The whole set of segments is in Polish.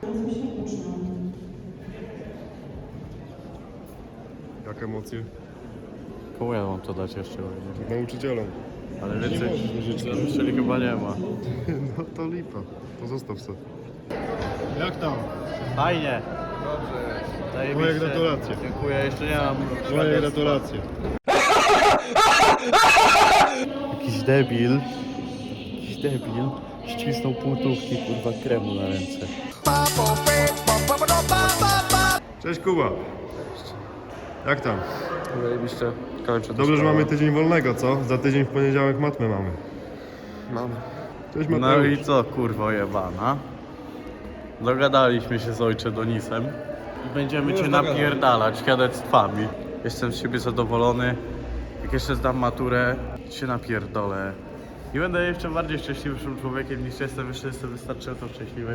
uczącym się uczniom. Jak emocje? Komu ja mam to dać jeszcze? Nauczycielom. Ale Nie więcej możesz życzyć. nauczycieli chyba nie ma. No to lipa. To zostaw sobie. Jak tam? Fajnie. Moje Zajebiście. gratulacje. Dziękuję, jeszcze nie mam. Moje gratulacje. Jakiś debil ścisnął półtówki, kurwa, kremu na ręce. Cześć Kuba. Jak tam? Zajebiście. Kończę. Dobrze, że mamy tydzień wolnego, co? Za tydzień w poniedziałek matmę mamy. Mamy. Cześć No Mateusz. i co, kurwa jebana? Dogadaliśmy się z ojcze Donisem i będziemy cię napierdalać świadectwami. Jestem z siebie zadowolony. Jak jeszcze zdam maturę, się napierdolę. I będę jeszcze bardziej szczęśliwszym człowiekiem niż jestem. Jeszcze jestem wystarczająco szczęśliwy.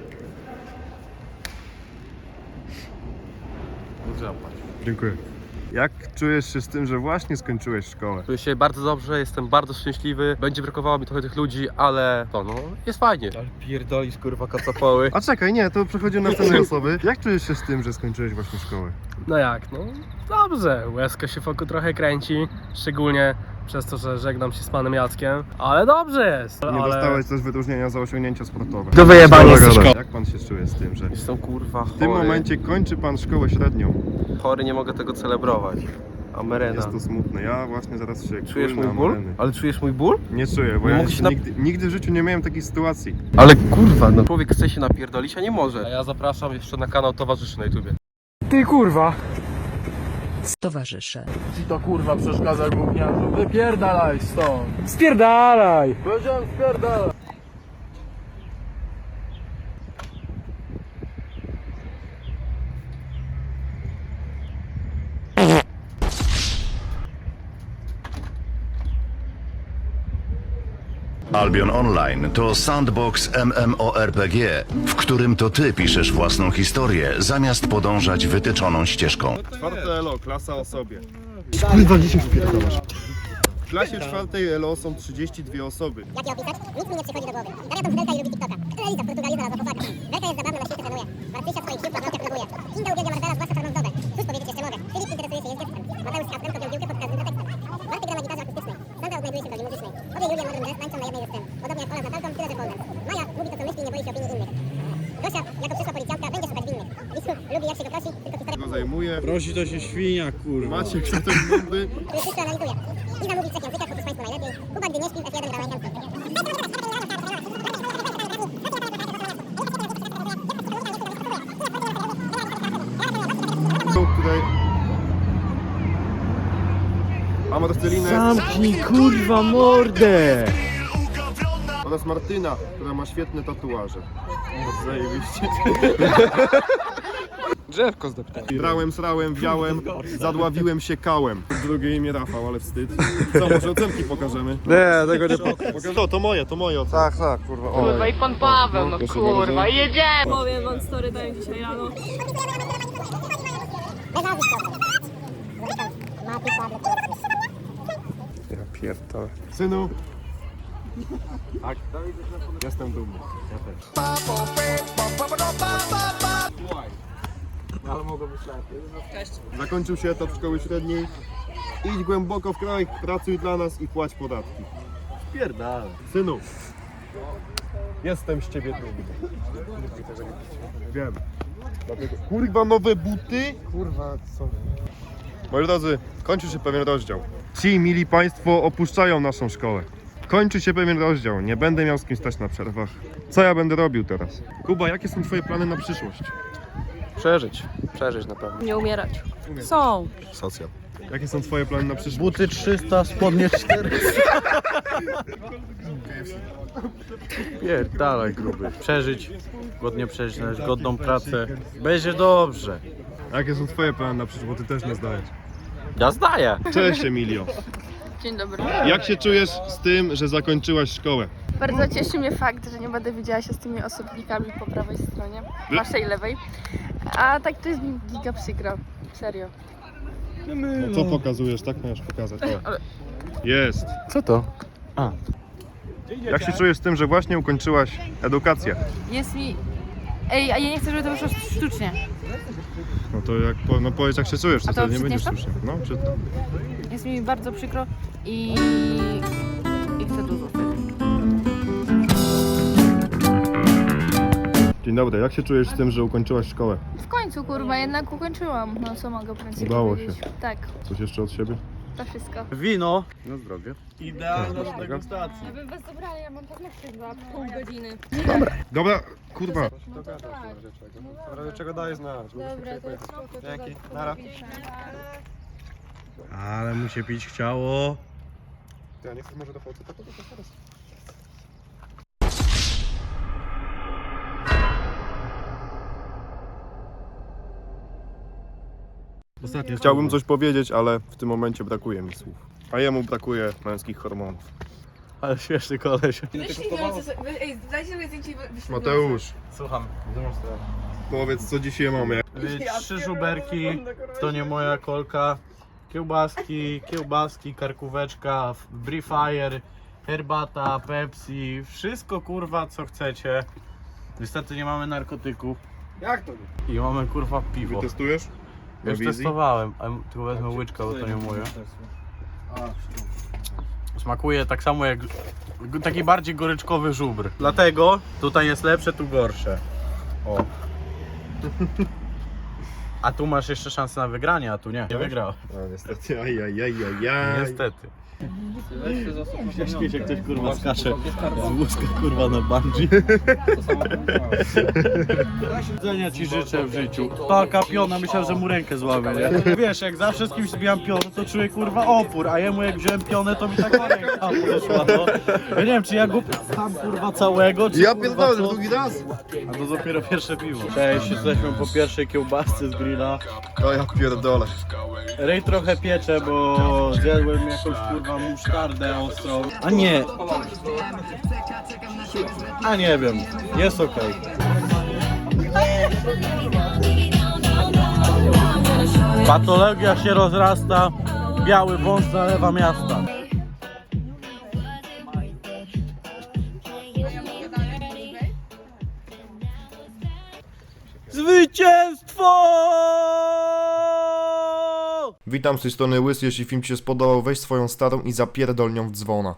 Zapłać. Dziękuję. Jak czujesz się z tym, że właśnie skończyłeś szkołę? Czuję się bardzo dobrze, jestem bardzo szczęśliwy. Będzie brakowało mi trochę tych ludzi, ale to no, jest fajnie. Ale pierdolisz kurwa kacapoły. A czekaj, nie, to przechodzimy na następnej osoby. Jak czujesz się z tym, że skończyłeś właśnie szkołę? No jak, no dobrze, łezka się wokół trochę kręci, szczególnie przez to, że żegnam się z panem Jackiem, ale dobrze jest. Nie dostałeś też wyróżnienia za osiągnięcia sportowe. Do wyjebania Szkoda, ze szkoły. Jak pan się czuje z tym, że Jestem kurwa chory. w tym momencie kończy pan szkołę średnią? Chory, nie mogę tego celebrować. Amerena. Jest to smutne. Ja właśnie zaraz się Czujesz kurnę mój ból? amereny. Ale czujesz mój ból? Nie czuję, bo Nie ja mogę się nigdy w życiu nie miałem takiej sytuacji. Ale kurwa, no człowiek chce się napierdolić, a nie może. A ja zapraszam jeszcze na kanał Towarzyszy na YouTubie. Ty kurwa! Towarzysze. Ci to kurwa przeszkadza gówniarzu, wypierdalaj stąd! Spierdalaj! Powiedziałem spierdalaj! Albion Online to sandbox MMORPG, w którym to ty piszesz własną historię, zamiast podążać wytyczoną ścieżką. Czwarte ELO, klasa o sobie. Kurwa, gdzie się wpierdalasz? W klasie czwartej ELO są 32 osoby. Jak ją opisać? Nic mi nie przychodzi do głowy. Daria to modelka i lubi TikToka. Eliza w Portugalii znalazła chłopaka. Werka jest zabawna, na świecie trenuje. Marcysia swoich sił paznokciach próbuje. Kinga uwielbia Marcela, zwłaszcza czarną wdowę. Cóż powiedzieć jeszcze mogę? Filip interesuje się językiem. Mateusz z Kasprem kopią piłkę pod każdym pretekstem. Bartek gra na gitarze akustycznej. Sandra odnajduje się w roli muzycznej. Obie Julia Modern Jazz tańczą na jednej ze scen. Podobnie jak Ola z Natalką, tyle że Polden. Maja mówi to co myśli i nie boi się opinii innych. Gosia, jako przyszła policjantka, będzie szukać winnych. Lisu lubi jak się go prosi, tylko historia... Go zajmuje. Prosi to się świnia, kurwa. Maciek, co ten bomby? który wszystko analizuje. Iza mówi w trzech językach, oprócz państwa najlepiej. Kuba, gdy nie śpi, F1 gra rękanską. Tutaj... A Marcelinę Zamknij, kurwa, mordę! oraz Martyna, która ma świetne tatuaże. Zajebiście. Drzewko zdeptałem. Brałem, srałem, wiałem, zadławiłem się kałem. Drugie imię Rafał, ale wstyd. Co, może ocenki pokażemy? Nie, tego nie pokażę. To moje oceny. Tak, kurwa. O. Kurwa i pan Paweł, no proszę kurwa, bardzo. i jedziemy! Powiem wam story daję dzisiaj rano. Bez nazwisk proszę. Mati, Pawle, Ja pierdolę. Synu. Tak. Jestem dumny. Ja też. Zakończył się etap szkoły średniej. Idź głęboko w kraj, pracuj dla nas i płać podatki. Pierdalaj. Synu. Jestem z ciebie dumny. Wiem. Dlatego... Kurwa, nowe buty? Kurwa, co? Moi drodzy, kończy się pewien rozdział. Ci, mili państwo, opuszczają naszą szkołę. Kończy się pewien rozdział. Nie będę miał z kim stać na przerwach. Co ja będę robił teraz? Kuba, jakie są twoje plany na przyszłość? Przeżyć na pewno. Nie umierać. Są. Socjal. Jakie są twoje plany na przyszłość? Buty 300, spodnie 400. Pierdalaj, gruby. Przeżyć, godnie przeżyć, znaleźć godną pracę. Będzie dobrze. Jakie są twoje plany na przyszłość? Bo ty też nie zdajesz. Ja zdaję. Cześć, Emilio. Dzień dobry. Jak się czujesz z tym, że zakończyłaś szkołę? Bardzo cieszy mnie fakt, że nie będę widziała się z tymi osobnikami po prawej stronie, waszej lewej. A tak to jest mi giga przykro. Serio. No co pokazujesz? Tak możesz pokazać. Jest. Co to? Jak się czujesz z tym, że właśnie ukończyłaś edukację? Jest mi Ej, a ja nie chcę, żeby to wyszło sztucznie. No to jak, no powiedz jak się czujesz, to A to wtedy nie będziesz przytniesz słyszał. No, przytnę. Jest mi bardzo przykro i chcę to zostać. Dzień dobry, jak się czujesz z tym, że ukończyłaś szkołę? W końcu, kurwa, jednak ukończyłam. No co mogę więcej Udało powiedzieć? Tak, Coś jeszcze od siebie? to wszystko. Wino. Na zdrowie. Idealna do degustacji. Bym was zabrali, ja mam paznokcie za pół godziny. Dobra, kurwa. Do czego daje znać? Dobra, to jest spoko. Dzięki, nara. Ale mu się pić chciało. Ja nie chcę może do fałce, to teraz. Ostatnio Chciałbym coś powiedzieć, ale w tym momencie brakuje mi słów. A jemu brakuje męskich hormonów. Ale śmieszny koleś. Dajcie sobie zdjęcie i Mateusz, Słucham. powiedz co dzisiaj mamy. 3 żuberki, to nie moja kolka. Kiełbaski, karkóweczka, Brie Fire, herbata, Pepsi, wszystko kurwa co chcecie. Niestety nie mamy narkotyków. Jak to? I mamy kurwa piwo. Testujesz? Na Już wizji? testowałem, a tylko wezmę łyczkę, bo to nie moje. Smakuje tak samo jak taki bardziej goryczkowy żubr. Dlatego tutaj jest lepsze, tu gorsze. O. A tu masz jeszcze szansę na wygranie, a tu nie. Nie wygrał. No niestety, ajajajajaj. Niestety. Śmiesz jak ktoś kurwa skacze z wózka kurwa na bungee. Powodzenia ci życzę w życiu. Taka piona, myślałem, że mu rękę złamie, nie? Wiesz, jak zawsze z kimś zbijam pionę, to czuję kurwa opór, a jemu jak wziąłem pionę, to mi taka ręka poszła, no. Ja nie wiem, czy ja go tam kurwa całego, czy Ja kurwa pierdolę, co? drugi raz. A to dopiero pierwsze piwo. Cześć, jesteśmy po pierwszej kiełbasce z grilla. O ja pierdolę. Rej trochę piecze, bo zjadłem jakąś kurwa musztardę ostrą. A nie. A nie wiem. Jest okej. Patologia się rozrasta. Biały wąż zalewa miasta. Zwycięstwo! Witam z tej strony Łys, jeśli film Ci się spodobał, weź swoją starą i zapierdol nią w dzwona.